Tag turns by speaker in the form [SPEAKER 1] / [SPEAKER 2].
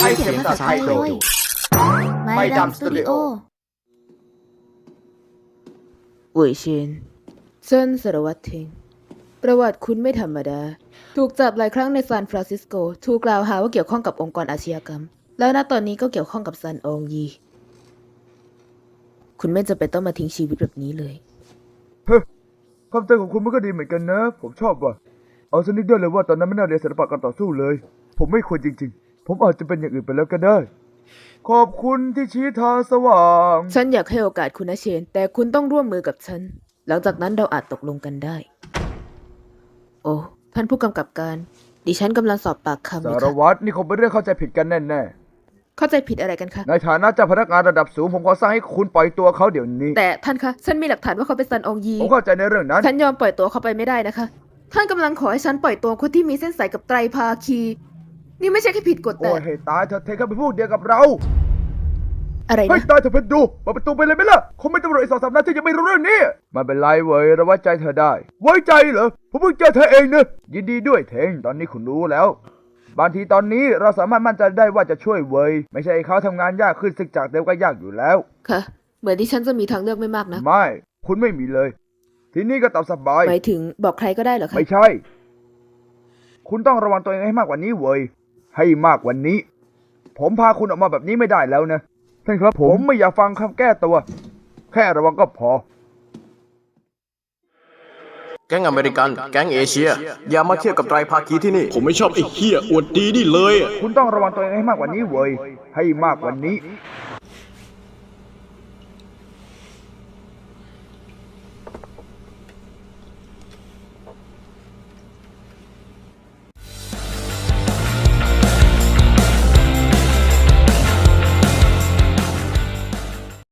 [SPEAKER 1] ให้เสียงภาษาไทยโดยไม่ดำสตูดิโอ
[SPEAKER 2] อุ๋ยชินเซินสารวัตรเทงประวัติคุณไม่ธรรมดาถูกจับหลายครั้งในซานฟรานซิสโกถูกกล่าวหาว่าเกี่ยวข้องกับองค์กรอาชญากรรมแล้วณตอนนี้ก็เกี่ยวข้องกับซันอองยีคุณไม่จำเป็นต้องมาทิ้งชีวิตแบบนี้เลย
[SPEAKER 3] ความใจของคุณมันก็ดีเหมือนกันนะผมชอบว่ะเอาสักนิดเดียวเลยว่าตอนนั้นไม่น่าเรียนศิลปะการต่อสู้เลยผมไม่ควรจริงๆผมอาจจะเป็นอย่างอื่นไปแล้วก็ได้ขอบคุณที่ชี้ทางสว่าง
[SPEAKER 2] ฉันอยากให้โอกาสคุณนะเชนแต่คุณต้องร่วมมือกับฉันหลังจากนั้นเราอาจตกลงกันได้โอ้ท่านผู้กำกับการดิฉันกำลังสอบปากคำอยู่
[SPEAKER 3] สาร
[SPEAKER 2] ค่ะ
[SPEAKER 3] วัตรนี่คงเป็นเรื่องเข้าใจผิดกันแน่ๆ
[SPEAKER 2] เข้าใจผิดอะไรกันคะ
[SPEAKER 3] ในฐานะเจ้าพนักงานระดับสูงผมขอสั่งให้คุณปล่อยตัวเขาเดี๋ยวนี้
[SPEAKER 2] แต่ท่านคะฉันมีหลักฐานว่าเขาเป็นซันอองยี
[SPEAKER 3] ผมเข้าใจในเรื่องนั้น
[SPEAKER 2] ฉันยอมปล่อยตัวเขาไปไม่ได้นะคะท่านกำลังขอให้ฉันปล่อยตัวคนที่มีเส้นสายกับไตรภาคีนี่ไม่ใช่แค่ผิดกฎแต่
[SPEAKER 3] โอ้ยให้ตายเธอเทเขาเป็นพวกเดียวกับเรา
[SPEAKER 2] อะไร
[SPEAKER 3] ให้
[SPEAKER 2] นะ
[SPEAKER 3] ตายเธอเพชรดูเปิดประตูไปเลยไหมล่ะคงไม่ตำรวจอีก2-3 นายที่ยังไม่รู้เรื่องนี้ไม่เป็นไรเว้ยเราไว้ใจเธอได้ไว้ใจเหรอผมเพิ่งเจอเธอเองนะยินดีด้วยเทงตอนนี้คุณรู้แล้วบางทีตอนนี้เราสามารถมั่นใจได้ว่าจะช่วยเว้ยไม่ใช่เขาทำงานยากขึ้นซึ่งจากเดิมก็ยากอยู่แล้ว
[SPEAKER 2] ค่ะเหมือนที่ฉันจะมีทางเลือกไม่มากนะ
[SPEAKER 3] ไม่คุณไม่มีเลยทีนี้ก็ตามสบาย
[SPEAKER 2] หมายถึงบอกใครก็ได้เหรอคะ
[SPEAKER 3] ไม่ใช่คุณต้องระวังตัวเองให้มากกว่านี้เว้ยให้มากกว่านี้ผมพาคุณออกมาแบบนี้ไม่ได้แล้วนะท่านครับผมไม่อยากฟังคำแก้ตัวแค่ระวังก็พอ
[SPEAKER 1] แก๊งอเมริกันแก๊งเอเชียอย่ามาเทียบกับไตรภาคีที่นี่
[SPEAKER 4] ผมไม่ชอบไอ้เหี้ยอวดดีนี่เลยอะ
[SPEAKER 3] คุณต้องระวังตัวเองให้มากกว่านี้เว้ยให้มากกว่านี้